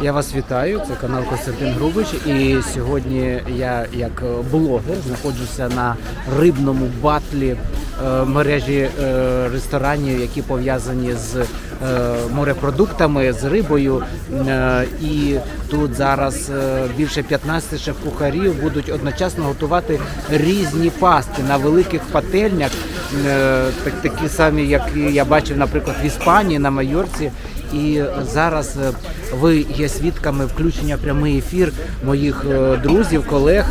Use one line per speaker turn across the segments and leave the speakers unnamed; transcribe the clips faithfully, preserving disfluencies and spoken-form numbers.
Я вас вітаю, це канал Костянтин Грубич, і сьогодні я як блогер знаходжуся на рибному батлі е, мережі е, ресторанів, які пов'язані з е, морепродуктами, з рибою. Е, і тут зараз е, більше п'ятнадцяти шеф-кухарів будуть одночасно готувати різні пасти на великих пательнях, е, так, такі самі, як я бачив, наприклад, в Іспанії, на Майорці. І зараз ви є свідками включення в прямий ефір моїх друзів, колег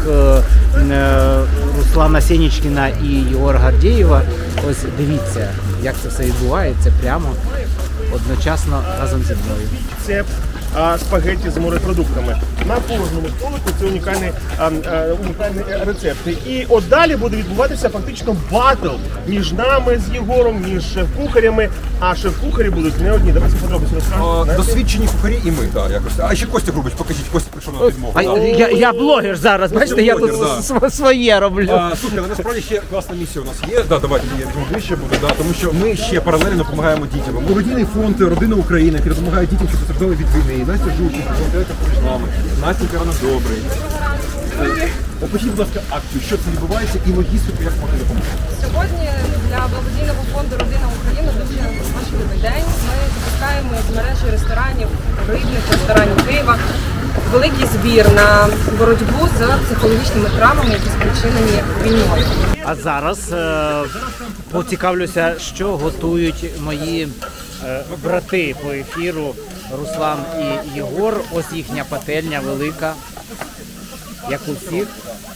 Руслана Сенічкіна і Єгора Гордєєва. Ось дивіться, як це все відбувається прямо одночасно разом зі мною.
Це а, спагетті з морепродуктами. На кожному столику це унікальний, а, а, унікальний рецепт. І от далі буде відбуватися фактично батл між нами з Єгором, між шеф-кухарями. А шеф-кухарі будуть не одні. Давайте подробиці розкажемо.
Досвідчені кухарі і ми, так, якось. А ще Костя Грубич, покажіть, Костя прийшов на підмогу.
А, я, я блогер зараз, бачите, я тут
блогер, да.
своє роблю.
А, слухай, але насправді ще класна місія у нас є. Да, давайте я візьму ближче буду, да, тому що ми ще паралельно допомагаємо дітям. Благодійний фонд «Родина України», який допомагає дітям, що постраждали від війни. Настя Жуків, волонтерка поруч з нами. Настя Карана Добрий. Опишіть, будь ласка, акцію, що це відбувається і логістику, як можна допомогти.
Сьогодні для благодійного фонду «Родина України» дуже важливий день. Ми запускаємо з мережі ресторанів, рибних ресторанів Києва великий збір на боротьбу з психологічними травмами, які спричинені війною.
А зараз е, поцікавлюся, що готують мої е, брати по ефіру Руслан і Єгор. Ось їхня пательня велика, як у всіх.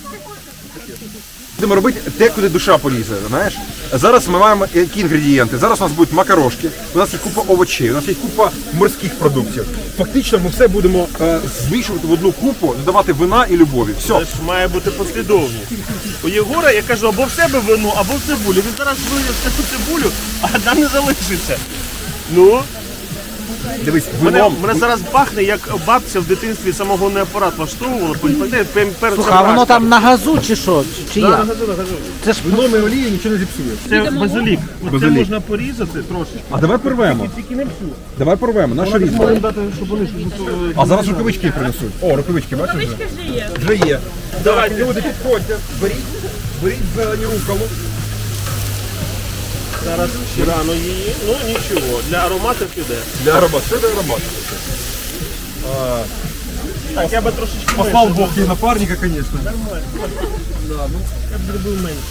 Будемо робити те, куди душа полізе, знаєш? Зараз ми маємо які інгредієнти. Зараз у нас будуть макарошки, у нас є купа овочей, у нас є купа морських продуктів. Фактично ми все будемо е, змішувати в одну купу, додавати вина і любові. Все.
Це ж має бути послідовність. У Єгора я кажу або в себе вину, або в цибулю. Він зараз вилє всю цибулю, а одна не залишиться. Ну,
Дивись,
мене,
вином.
мене зараз пахне, як бабця в дитинстві самогонний апарат влаштовувала. Пам'ятаєте, перед
Слухай, а воно там на газу чи що? Чи
Да,
як?
нагадую, нагадую.
Це ж
Вином і олія нічого не зіпсує.
Це базилік. Це
Базилік.
можна порізати трошки.
А давай порвемо.
Тільки не всю.
Давай порвемо, наша різьба.
Можемо дати, щоб вони...
А зараз рукавички принесуть. О, рукавички, бачиш вже? вже є. Вже є.
Давай,
Люди, підходьте, беріть, беріть зелені рукаву.
зараз ще рано її. Ну нічого, для ароматів піде.
Для аромату. Що для аромату?
Так, я би трошечки
Послав
менше.
Бог їй напарника, звісно.
Я б зробив менше.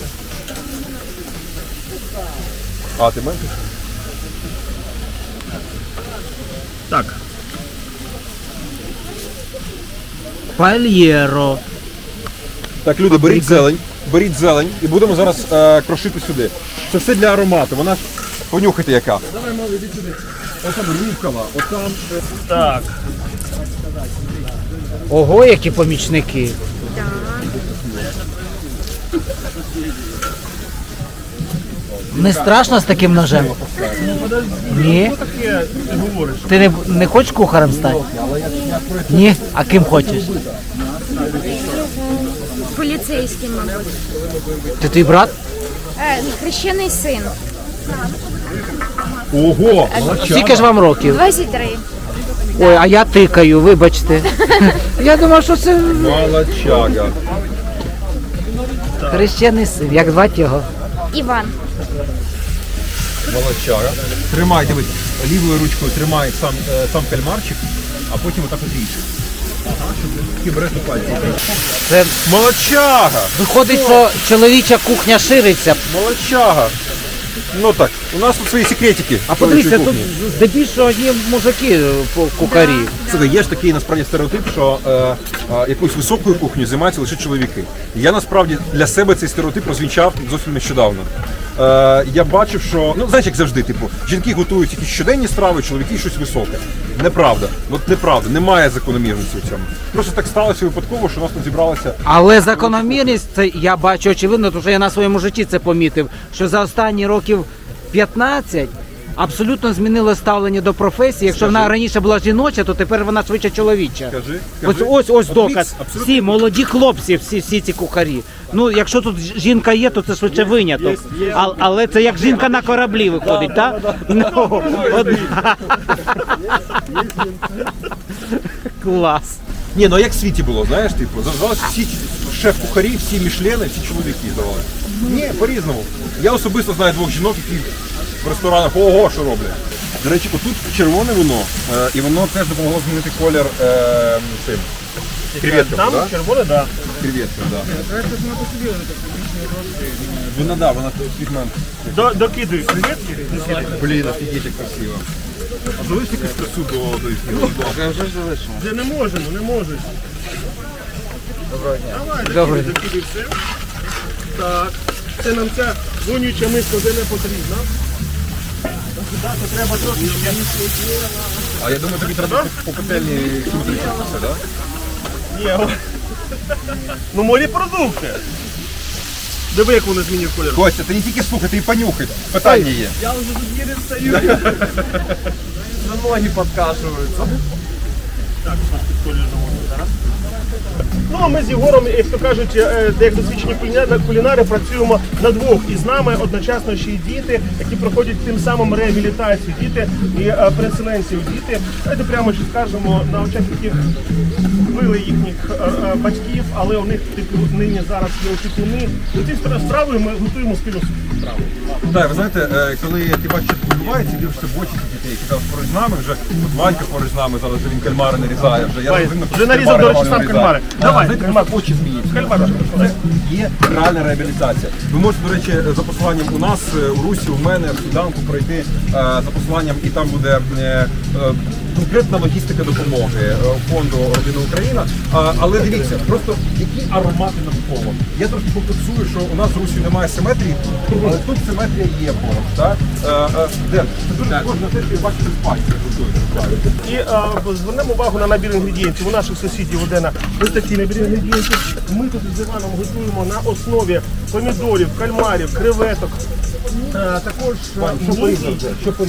А, ти менше?
Так.
пальєро.
Так, люди, беріть зелень, беріть зелень і будемо зараз е, крошити сюди. Це все для аромату, вона ж, понюхайте яка. Давай, мали, іди сюди. Отам рукава, отам...
Так.
Ого, які помічники. Не страшно з таким ножем? Ні?
Таке ти говориш.
Ти не, не хочеш кухарем стати? Ні? А ким хочеш?
Поліцейський, мабуть.
Ти твій брат?
Е, хрещений син.
Ого!
Скільки ж вам років?
двадцять три.
Ой, а я тикаю, вибачте. Я думав, що це
Молодчага.
хрещений син. Як звати його?
Іван.
Молодчага. Тримай, дивись, лівою ручкою тримай сам, е, сам кальмарчик, а потім отак от ріж. Ага, щоб ти береш у пальці.
Це
Молодчага!
виходить, що чоловіча кухня шириться.
Молодчага! Ну так, у нас тут свої секретики.
А подивіться, тут здебільшого одні мужики по кухарі.
Слухай, є ж такий насправді стереотип, що е, е, якоюсь високою кухнею займаються лише чоловіки. Я насправді для себе цей стереотип розвінчав зовсім нещодавно. Е, я бачив, що, ну знаєш, як завжди, типу, жінки готують якісь щоденні страви, чоловіки щось високе. Неправда. От неправда, немає закономірності в цьому. Просто так сталося випадково, що у нас тут зібралося.
Але закономірність, це я бачу очевидно, тому що я на своєму житті це помітив, що за останні років п'ятнадцять абсолютно змінило ставлення до професії. Якщо
Скажи.
вона раніше була жіноча, то тепер вона швидше чоловіча.
Скажи,
Ось
скажи.
ось ось
От
доказ.
мікс абсолютно.
Всі молоді хлопці, всі, всі ці кухарі. Ну, якщо тут жінка є, то це швидше виняток. А, але це як жінка на кораблі виходить, так? Ну, одна. Клас.
Ні, ну а як в світі було, знаєш, типу, здавалося, всі шеф-кухарі, всі мішлени, всі чоловіки здавали. Ні, по-різному. Я особисто знаю двох жінок, які в ресторанах ого, що роблять. До речі, отут червоне вино, е, і воно теж допомогло змінити колір е, цим креветкам,
Там
да?
червоне, так. Да.
Креветкам, да. Вона, да, вона пігмент.
До, докидуй креветки.
Блін, офігеть, як красиво. А залиш якусь красу до, до ефіру?
Де не можемо, не можуть. Доброго дня. Давай,
Добрий.
докидай, докидай все. Так. Це нам ця вонюча миска вже не потрібна. Так, то треба трошечки.
А я думаю, тобі треба по пательні симетрично все, так?
Ні, о. Ну морепродукти. Диви, як вони змінюють колір.
Костя, ти не тільки слухай, ти і понюхай. Питання є.
Я вже тут єлі стою.
На ноги подкашуються.
Так, колір можна зараз. Ну, а ми з Єгором, як то кажуть, е, як досвідчені кулінари, кулінари, працюємо на двох. І з нами одночасно ще й діти, які проходять тим самим реабілітацію. Діти і е, переселенців. Діти, давайте прямо ще скажемо, на очах яких вбили їхніх е, е, батьків, але у них типу, нині зараз є опікуни. І ці страви ми готуємо спільну страву.
Так, ви знаєте, е, коли ти бачиш, що відбувається, і дивишся в очі цих дітей, які там поруч з нами, вже от Ванька поруч з нами, зараз вже він кальмари нарізає. Вже, я
Вань,
розумію,
вже
що
нарізав, до речі,
Ваня
сам
нарізає.
кальмари.
А,
Давай,
знаєте,
кальмар.
очі змінюються.
Кальмар.
Це є реальна реабілітація. Ви можете, до речі, за посиланням у нас, е, у Русі, у мене, в Сніданку пройти е, за посиланням, і там буде е, е, конкретна логістика допомоги е, фонду Родина Україна. А, але дивіться, просто які аромати навколо. Я трошки комплексую, що у нас в Русі немає симетрії, але тут симетрія є поруч. Так? Е, е, Ден, це дуже схоже на те, що ви бачите в пасті.
І е, звернемо увагу на набір інгредієнтів. У наших сусідів Одена ось такий набір інгредієнтів. Ми тут з Іваном готуємо на основі помідорів, кальмарів, креветок. Е, також е, мідій.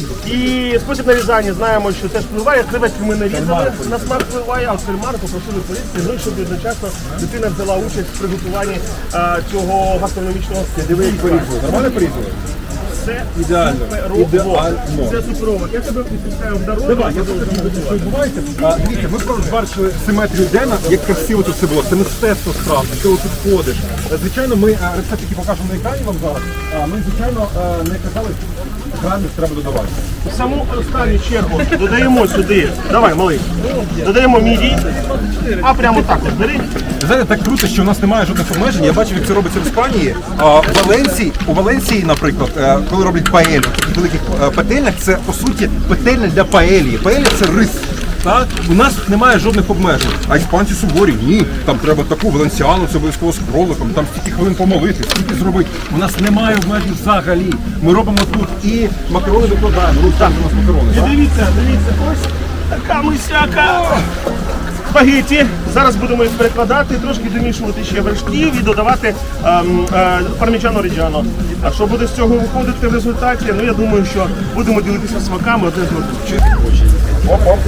І спосіб нарізання знаємо, що теж впливає. Креветки ми нарізали, на смак впливає, а от кальмари попросили порізати, ну і щоб одночасно дитина взяла участь в приготуванні е, цього гастрономічного стилю.
Диви, як порізали. Нормально порізали?
Це
Ідеально.
суперово.
Ідеально.
Це суперово. Я тебе відпускаю в дорогу.
Давай, я покажу, що відбувається. А, дивіться, ми просто бачили симетрію Дена, як красиво тут все було. Це мистецтво справді, ти тут ходиш. Е, Звичайно, ми е, рецепт, який покажемо на екрані вам зараз, а, ми, звичайно, е, не казали, що грамів треба додавати.
В саму останню чергу додаємо сюди. Давай, малий. Додаємо мідій. А прямо так от бери.
Ви знаєте, так круто, що у нас немає жодних обмежень. Я бачив, як це робиться в Іспанії. А, в Валенції, у Валенції, наприклад, е, коли роблять паелю, в великих е, петельнях, це по суті петельня для паелії. Паелія – це рис. Так? У нас немає жодних обмежень. А іспанці суворі, ні. Там треба таку валенсіану, це обов'язково з кроликом, там стільки хвилин помолити, стільки зробити. У нас немає обмежень взагалі. Ми робимо тут і макарони викладаємо. Русь, там у нас макарони.
І
так?
дивіться, дивіться, ось така мисяка. Спагетті. Зараз будемо їх перекладати, трошки домішувати ще вершків і додавати ем, е, пармічано ріджано. А що буде з цього виходити в результаті? Ну я думаю, що будемо ділитися смаками одне з одним.
Оп-оп.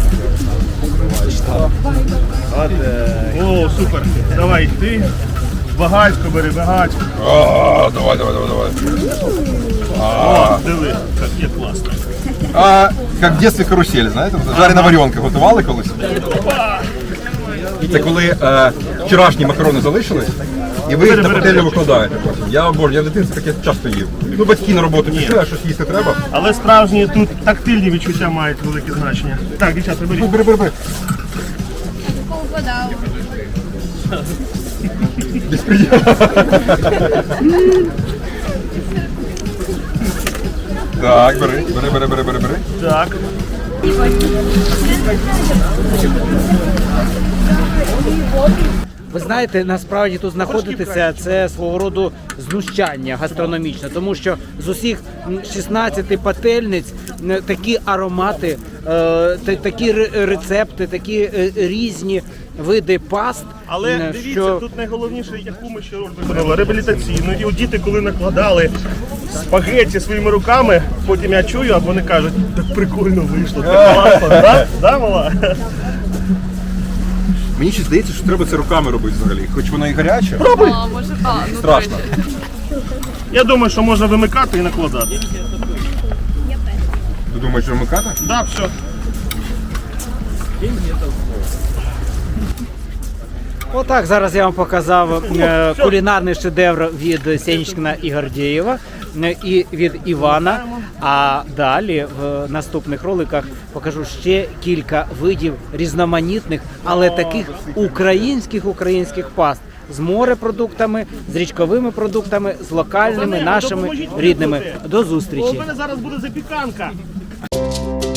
О, супер. Давай, ти багатько бери, багатько.
А, давай, давай, давай, давай.
О, диви, як є класно.
А, як в дитинстві карусель, знаєте? Жарена варіонка готували колись? Це коли е, вчорашні макарони залишились, і ви їх на пательню викладаєте потім. Я обожнюю, я в дитинстві таке часто їв. Ну, батьки на роботу пішли, а щось їсти треба.
Але справжні тут тактильні відчуття мають велике значення. Так, дівчата, беріть.
Бери, бери, бери. Безпреділ. Так, бери, бери, бери, бери, бери, бери.
Так.
Ви знаєте, насправді тут знаходитися це свого роду знущання гастрономічне, тому що з усіх шістнадцяти пательниць м, такі аромати, е, та- такі ре- рецепти, такі е, різні види паст.
Але
м,
дивіться,
що
тут найголовніше, яку ми ще роль виконали, реабілітаційну. І от діти, коли накладали спагетті своїми руками, потім я чую, а вони кажуть, так прикольно вийшло, так класно, да? Да, мала?
Мені ще здається, що треба це руками робити взагалі, хоч воно і гаряче.
Пробуй!
А, може, а, ну,
Страшно.
Я думаю, що можна вимикати і накладати.
Ти думаєш, що вимикати?
Да, все.
Отак, зараз я вам показав е, кулінарний шедевр від Сенічкіна і Гордєєва е, і від Івана. А далі в наступних роликах покажу ще кілька видів різноманітних, але таких українських українських паст з морепродуктами, з річковими продуктами, з локальними нашими рідними. До
У
зустрічі!
мене зараз буде запіканка.